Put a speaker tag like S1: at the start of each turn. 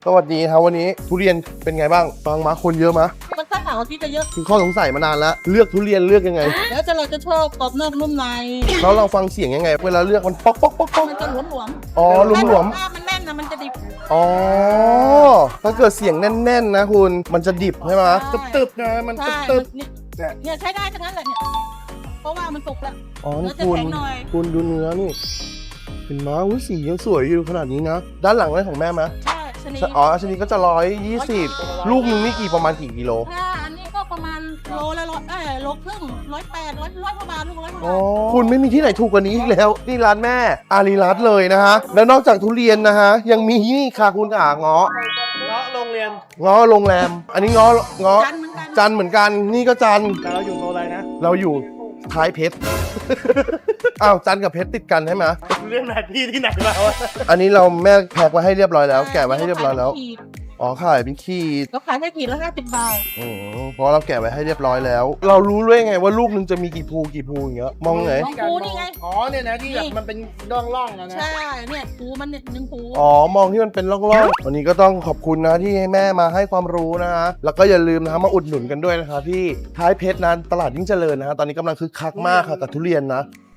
S1: สวัสดีครับวันนี้ทุเรียนเป็นไงบ้างฟังมาคนเยอะมะ
S2: มันถ้าเสาร์อาทิตย์จะเยอะ
S1: คือข้อสงสัยมานานแล้วเลือกทุเรียนเลือกยังไง
S2: แล้วเราจะชอบกรอบนอกนุ่มใน
S1: แล้วเราฟังเสียงยังไง เวลาเลือกมันป๊อกป๊อกป๊อกป๊อก
S2: มันจะหลวม
S1: อ๋อหลวม
S2: ถ้ามันแน่นนะมันจะดิบ
S1: ๆอ๋อถ้าเกิดเสียงแน่นๆนะคุณมันจะดิบใช่ไหม
S2: ใช่
S1: ตึบๆนะมัน
S2: ใช่
S1: ตึบ
S2: เนี่ยเนี่ยใช้ได้ทั้งนั้นแหละเนี่ยเพราะว่ามันสุกแล้ว
S1: ๆอ๋อ
S2: เนื้
S1: นี่
S2: อจะ
S1: คุณ
S2: แข็งหน่อย
S1: คุณดูเนื้อนี่เห็นไหมอุ้ยสียังสวยอยู่ขนาดนี้นะด้านหลังนั่นของแม่ไหม
S2: ใช่ชนิด
S1: อ๋อชนิดก็จะ120ลูกนึงนี่ประมาณกี่กิโล
S2: ถ้าอันนี้ก็ประมาณโลละโลครึ่ง180 100กว่าบาทลูก100กว่าบาท
S1: คุณไม่มีที่ไหนถูกกว่านี้อีกแล้วนี่ร้านแม่อารีรัตน์เลยนะฮะแล้วนอกจากทุเรียนนะฮะยังมีนี่ค่ะคุณขาเงาะ
S3: เงาะโรงเรียน
S1: เงาะโรงแรม อันนี้เงาะ
S2: จันทร์เหมือนกัน
S1: จันเหมือนกันนี่ก็จัน
S3: แต่เราอยู่โซนอะไรนะ
S1: เราอยู่ท้ายเพชร อ้าวจันกับเพชรติดกันใช่ไหม
S3: เรื่องไหนที่ไหนมาวะ
S1: อันนี้เราแม่แพ็คไว้ให้เรียบร้อยแล้วแกะไว้ให้เรียบร้อยแล้วอ๋อขายเป็นขีด
S2: ก็ขายแค่ขีดละ50 บาท
S1: เพราะเราแกะไว้ให้เรียบร้อยแล้ว เรารู้ด้วยไงว่าลูกนึงจะมีกี่ภูอย่างเงี้ยมองไง
S2: มองภูนี่ไง
S3: อ๋อเนี่ยนะที่แบบมันเป็นร่องๆนะนะ
S2: ใช่เนี่ยภูมันเนี่ยหนึ่งภู
S1: อ๋อ มองที่มันเป็นร่องๆ วันนี้ก็ต้องขอบคุณนะที่ให้แม่มาให้ความรู้นะฮะ แล้วก็อย่าลืมนะฮะมาอุดหนุนกันด้วยนะคะที่ท้ายเพชรนั้นตลาดยิ่งเจริญนะฮะ ตอนนี้กำลังคึกคักมากค่ะกับทุเรียนนะ